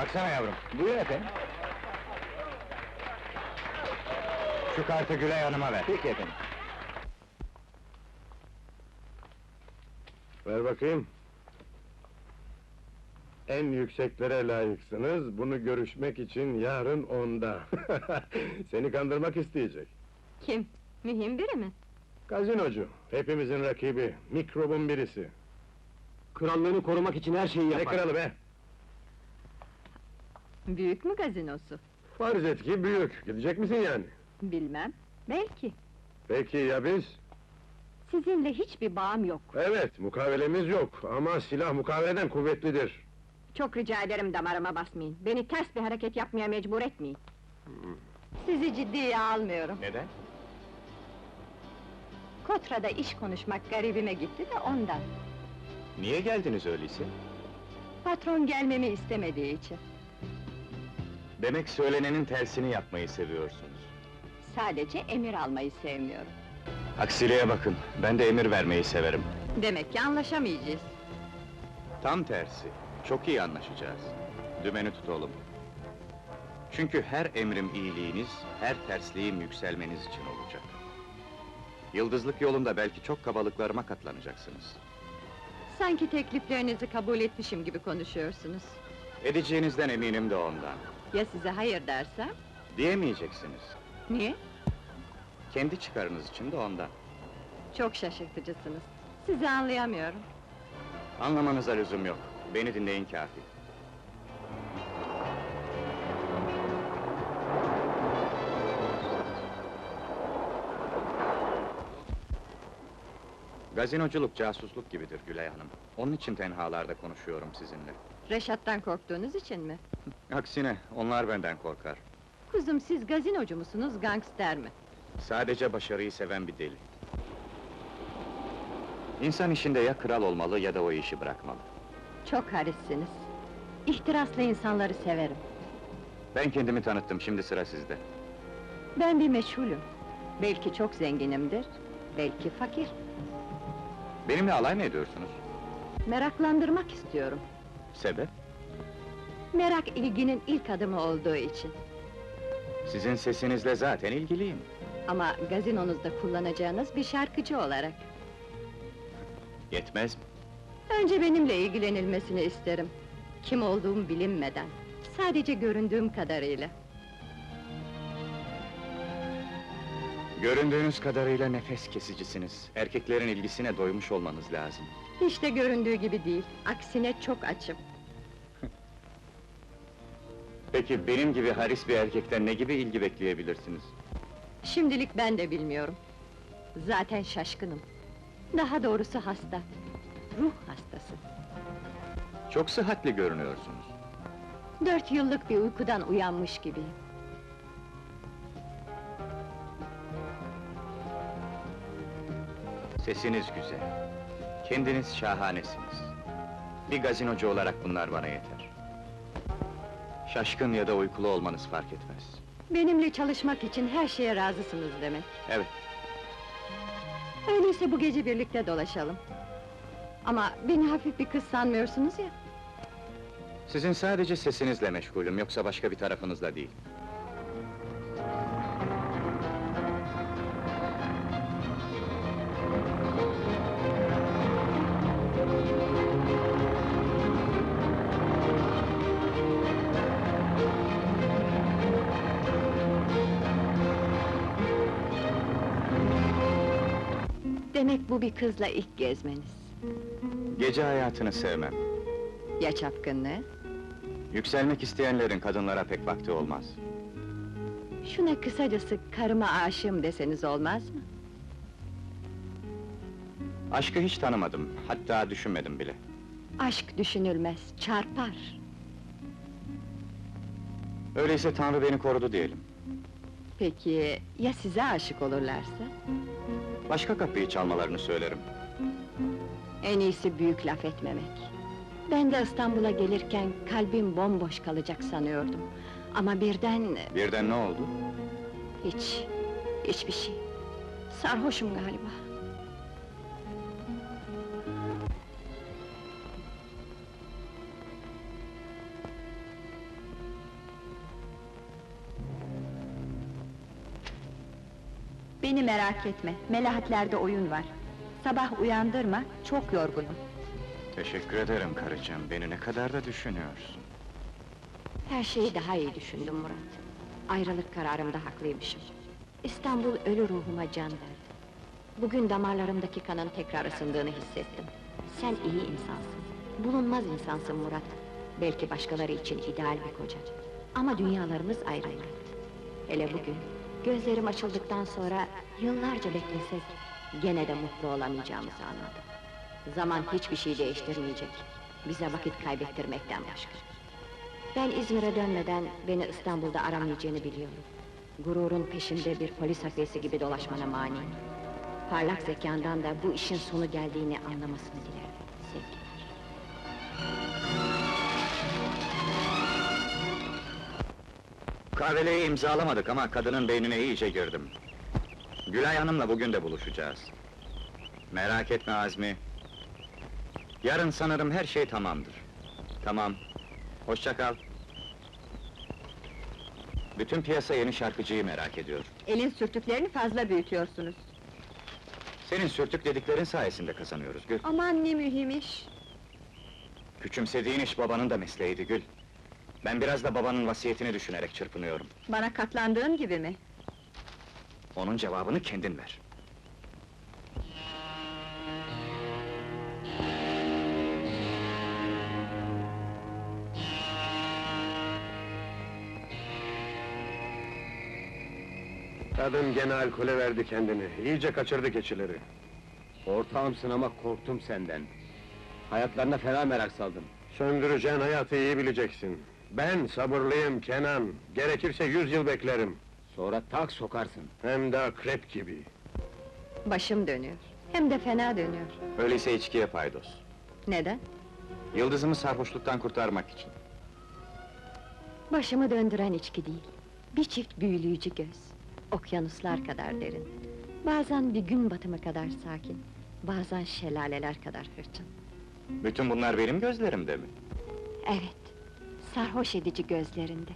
Baksana yavrum. Buyur efendim. Şu kartı Gülay Hanım'a ver. Peki efendim. Ver bakayım. En yükseklere layıksınız, bunu görüşmek için yarın 10'da. Seni kandırmak isteyecek. Kim? Mühim biri mi? Gazinocu, hepimizin rakibi, mikrobun birisi. Krallığını korumak için her şeyi Ne yapar. kralı be? Büyük mü gazinosu? Farz et ki büyük, gidecek misin yani? Bilmem, belki. Peki ya biz? Sizinle hiçbir bağım yok. Evet, mukavelemiz yok ama silah mukaveleden kuvvetlidir. Çok rica ederim damarıma basmayın. Beni ters bir hareket yapmaya mecbur etmeyin. Sizi ciddiye almıyorum. Neden? Kotra'da iş konuşmak garibime gitti de ondan. Niye geldiniz öyleyse? Patron gelmemi istemediği için. Demek söylenenin tersini yapmayı seviyorsunuz. Sadece emir almayı sevmiyorum. Aksiliğe bakın, ben de emir vermeyi severim. Demek ki anlaşamayacağız. Tam tersi, çok iyi anlaşacağız. Dümeni tutalım. Çünkü her emrim iyiliğiniz, her tersliğim yükselmeniz için olacak. Yıldızlık yolunda belki çok kabalıklarıma katlanacaksınız. Sanki tekliflerinizi kabul etmişim gibi konuşuyorsunuz. Edeceğinizden eminim de ondan. Ya size hayır dersem? Diyemeyeceksiniz. Niye? Kendi çıkarınız için de ondan. Çok şaşırtıcısınız. Sizi anlayamıyorum. Anlamanıza lüzum yok. Beni dinleyin kâfi. Gazinoculuk casusluk gibidir Gülay Hanım. Onun için tenhalarda konuşuyorum sizinle. Reşat'tan korktuğunuz için mi? Aksine, onlar benden korkar. Kuzum, siz gazinocu musunuz, gangster mi? Sadece başarıyı seven bir deli. İnsan işinde ya kral olmalı ya da o işi bırakmalı. Çok harissiniz. İhtiraslı insanları severim. Ben kendimi tanıttım, şimdi sıra sizde. Ben bir meşhulüm. Belki çok zenginimdir, belki fakir. Benimle alay mı ediyorsunuz? Meraklandırmak istiyorum. Sebep? Merak ilginin ilk adımı olduğu için. Sizin sesinizle zaten ilgiliyim. Ama gazinonuzda kullanacağınız bir şarkıcı olarak. Yetmez mi? Önce benimle ilgilenilmesini isterim. Kim olduğum bilinmeden. Sadece göründüğüm kadarıyla. Göründüğünüz kadarıyla nefes kesicisiniz. Erkeklerin ilgisine doymuş olmanız lazım. Hiç de göründüğü gibi değil. Aksine çok açım. Peki benim gibi haris bir erkekten ne gibi ilgi bekleyebilirsiniz? Şimdilik ben de bilmiyorum. Zaten şaşkınım. Daha doğrusu hasta. Ruh hastası. Çok sıhhatli görünüyorsunuz. 4 yıllık bir uykudan uyanmış gibiyim. Sesiniz güzel. Kendiniz şahanesiniz. Bir gazinocu olarak bunlar bana yeter. Şaşkın ya da uykulu olmanız fark etmez. Benimle çalışmak için her şeye razısınız demek. Evet, Öyleyse bu gece birlikte dolaşalım. Ama beni hafif bir kız sanmıyorsunuz ya. sizin sadece sesinizle meşgulüm, yoksa başka bir tarafınızla değil. Demek bu bir kızla ilk gezmeniz. Gece hayatını sevmem. Ya çapkınlığı? Yükselmek isteyenlerin kadınlara pek vakti olmaz. Şuna kısacası karıma aşığım deseniz olmaz mı? Aşkı hiç tanımadım, hatta düşünmedim bile. Aşk düşünülmez, çarpar. Öyleyse Tanrı beni korudu diyelim. Peki, ya size aşık olurlarsa? Başka kapıyı çalmalarını söylerim. En iyisi büyük laf etmemek. Ben de İstanbul'a gelirken kalbim bomboş kalacak sanıyordum. Ama birden... Birden ne oldu? hiçbir şey. Sarhoşum galiba. Beni merak etme, Melahatlerde oyun var. Sabah uyandırma, çok yorgunum. Teşekkür ederim karıcığım, beni ne kadar da düşünüyorsun. Her şeyi daha iyi düşündüm Murat. Ayrılık kararımda haklıymışım. İstanbul ölü ruhuma can verdi. Bugün damarlarımdaki kanın tekrar ısındığını hissettim. Sen iyi insansın. Bulunmaz insansın Murat. Belki başkaları için ideal bir koca. Ama dünyalarımız ayrı Murat. Hele bugün, gözlerim açıldıktan sonra yıllarca beklesek, gene de mutlu olamayacağımızı anladım. Zaman hiçbir şey değiştirmeyecek. Bize vakit kaybettirmekten başka. Ben İzmir'e dönmeden beni İstanbul'da aramayacağını biliyorum. Gururun peşinde bir polis hafiyesi gibi dolaşmana maniyim. Parlak zekandan da bu işin sonu geldiğini anlamasını dilerim. Sevgiler. Kahveleyi imzalamadık ama kadının beynine iyice girdim. Gülay Hanım'la bugün de buluşacağız. Merak etme Azmi. Yarın sanırım her şey tamamdır. Tamam. Hoşça kal. Bütün piyasa yeni şarkıcıyı merak ediyor. Elin sürtüklerini fazla büyütüyorsunuz. Senin sürtük dediklerin sayesinde kazanıyoruz Gül. Aman ne mühim iş! Küçümsediğin iş babanın da mesleğiydi Gül. Ben biraz da babanın vasiyetini düşünerek çırpınıyorum. Bana katlandığın gibi mi? Onun cevabını kendin ver. Kadın gene alkole verdi kendini, iyice kaçırdı keçileri. Ortağımsın ama korktum senden. Hayatlarına fena merak saldım. Söndüreceğin hayatı iyi bileceksin. Ben sabırlıyım Kenan, gerekirse 100 yıl beklerim. Sonra tak sokarsın. Hem de akrep gibi. Başım dönüyor. Hem de fena dönüyor. Öyleyse içkiye paydos. Neden? Yıldızımı sarhoşluktan kurtarmak için. Başımı döndüren içki değil. Bir çift büyüleyici göz. Okyanuslar kadar derin. Bazen bir gün batımı kadar sakin. Bazen şelaleler kadar hırçın. Bütün bunlar benim gözlerimde mi? Evet, sarhoş edici gözlerinde.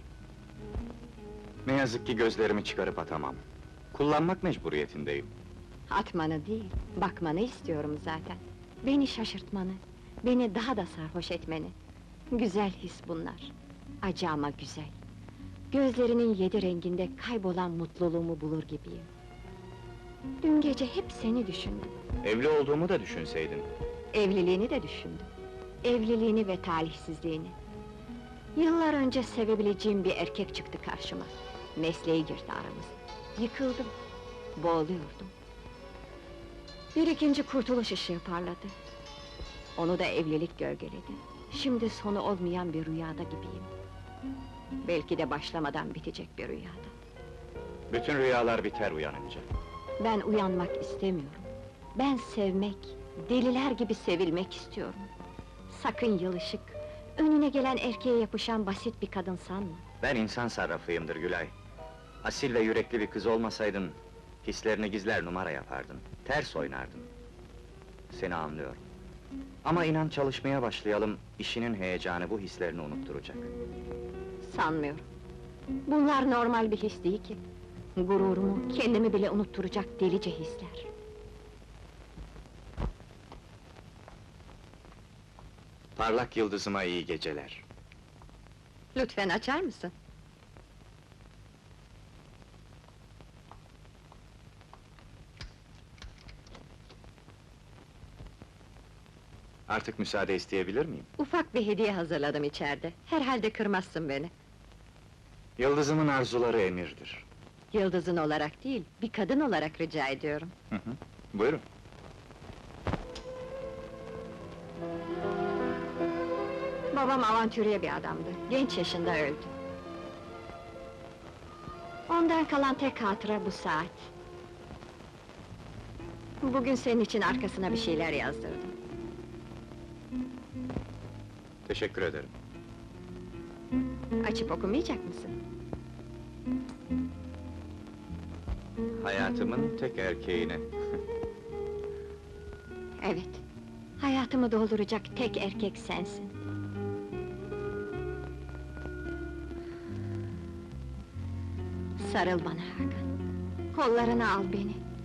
Ne yazık ki gözlerimi çıkarıp atamam. Kullanmak mecburiyetindeyim. Atmanı değil, bakmanı istiyorum zaten. Beni şaşırtmanı, beni daha da sarhoş etmeni. Güzel his bunlar. Acı ama güzel. Gözlerinin 7 renginde kaybolan mutluluğumu bulur gibiyim. Dün gece hep seni düşündüm. Evli olduğumu da düşünseydin. Evliliğini de düşündüm. Evliliğini ve talihsizliğini. Yıllar önce sevebileceğim bir erkek çıktı karşıma. Mesleği girdi aramıza. Yıkıldım. Boğuluyordum. Bir ikinci kurtuluş ışığı parladı. Onu da evlilik gölgeledi. Şimdi sonu olmayan bir rüyada gibiyim. Belki de başlamadan bitecek bir rüyada. Bütün rüyalar biter uyanınca. Ben uyanmak istemiyorum. Ben sevmek, deliler gibi sevilmek istiyorum. Sakın yılışık, önüne gelen erkeğe yapışan basit bir kadın sanma. Ben insan sarrafıyımdır Gülay. Asil ve yürekli bir kız olmasaydın, hislerini gizler numara yapardın, ters oynardın. Seni anlıyorum. Ama inan çalışmaya başlayalım, işinin heyecanı bu hislerini unutturacak. Sanmıyorum. Bunlar normal bir his değil ki. Gururumu, kendimi bile unutturacak delice hisler. Parlak yıldızıma iyi geceler. Lütfen açar mısın? Artık müsaade isteyebilir miyim? Ufak bir hediye hazırladım içeride. Herhalde kırmazsın beni. Yıldızımın arzuları emirdir. Yıldızın olarak değil, bir kadın olarak rica ediyorum. Hı hı. Buyurun. Babam avantürye bir adamdı, genç yaşında öldü. Ondan kalan tek hatıra bu saat. Bugün senin için arkasına bir şeyler yazdırdım. Teşekkür ederim. Açıp okumayacak mısın? Hayatımın tek erkeğine. Evet, hayatımı dolduracak tek erkek sensin. Sarıl bana Hakan, kollarına al beni.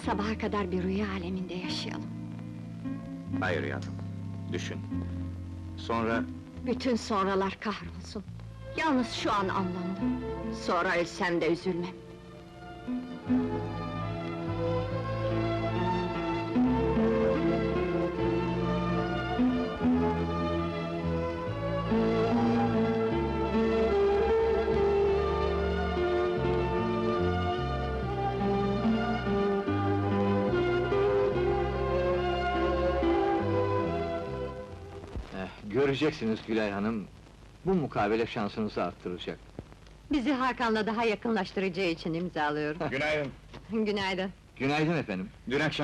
Sabaha kadar bir rüya aleminde yaşayalım. Hayır yavrum, düşün. Sonra Bütün sonralar kahrolsun. Yalnız şu an anlandım. Sonra ölsem de üzülmem. Göreceksiniz Gülay Hanım, bu mukabele şansınızı arttıracak. Bizi Hakan'la daha yakınlaştıracağı için imzalıyorum. günaydın. Günaydın. Günaydın efendim. Dün akşam